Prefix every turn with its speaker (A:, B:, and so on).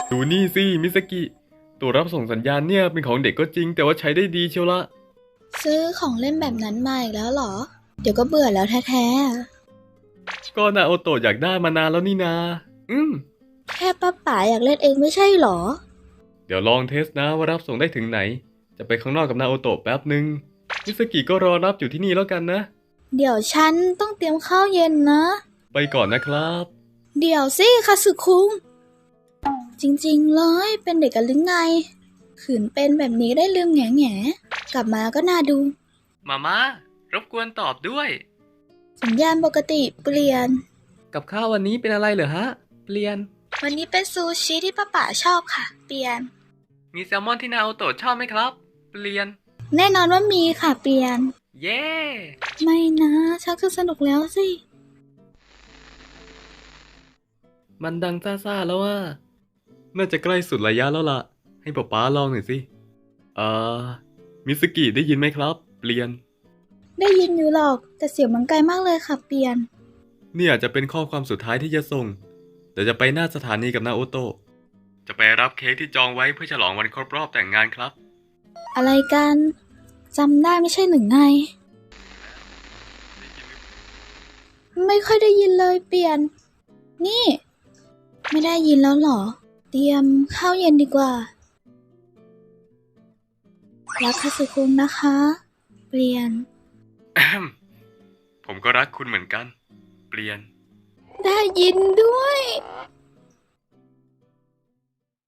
A: ดูนี่สิมิสกิตัวรับส่งสัญญาณเนี่ยเป็นของเด็กก็จริงแต่ว่าใช้ได้ดีเชียวละ
B: ซื้อของเล่นแบบนั้นมาอีกแล้วเหรอ เดี๋ยวก็เบื่อแล้วแท้
A: ก็นาโอโตะอยากได้มานานแล้วนี่นา
B: ๆแค่ป้าป๋าอยากเล่นเองไม่ใช่เหรอ
A: เดี๋ยวลองเทสนะว่ารับส่งได้ถึงไหนจะไปข้างนอกกับนาโอโตะแป๊บหนึ่งมิสกิก็รอรับอยู่ที่นี่แล้วกันนะ
B: เดี๋ยวฉันต้องเตรียมข้าวเย็นนะ
A: ไปก่อนนะครับ
B: เดี๋ยวสิคาสึคุงจริงๆเลยเป็นเด็กกันหรือไงขืนเป็นแบบนี้ได้ลืมแง่ๆกลับมาก็น่าดู
A: มามารบกวนตอบด้วย
B: สัญญาณปกติเปลี่ยน
A: กับข้าววันนี้เป็นอะไรเหรอฮะเปลี่ยน
B: วันนี้เป็นซูชิที่ป้าป๋าชอบค่ะ เปลี่ยน
A: มีแซลมอนที่นาโอโตะชอบไหมครับเปลี่ยน
B: แน่นอนว่ามีค่ะเปลี่ยน
A: เย้
B: ไม่นะชักจะสนุกแล้วสิ
A: มันดังซ่าๆแล้วว่าน่าจะใกล้สุดระยะแล้วล่ะให้ป๊าลองหน่อยสิเอ่อมิสกิได้ยินไหมครับเปลี่ยน
B: ได้ยินอยู่หรอกแต่เสียงมันไกลมากเลยค่ะเปลี่ยน
A: นี่อาจจะเป็นข้อความสุดท้ายที่จะส่งเดี๋ยวจะไปหน้าสถานีกับนาโอโตะจะไปรับเค้กที่จองไว้เพื่อฉลองวันครบรอบแต่งงานครับ
B: อะไรกันจำได้ไม่ใช่หนึ่งไงไม่ค่อยได้ยินเลยเปลี่ยน นี่ ไม่ได้ยินแล้วเหรอ เตรียมข้าวเย็นดีกว่ารักคาสึคุงนะคะ เปลี่ยน
A: ผมก็รักคุณเหมือนกัน เปลี่ยน
B: ได้ยินด้วย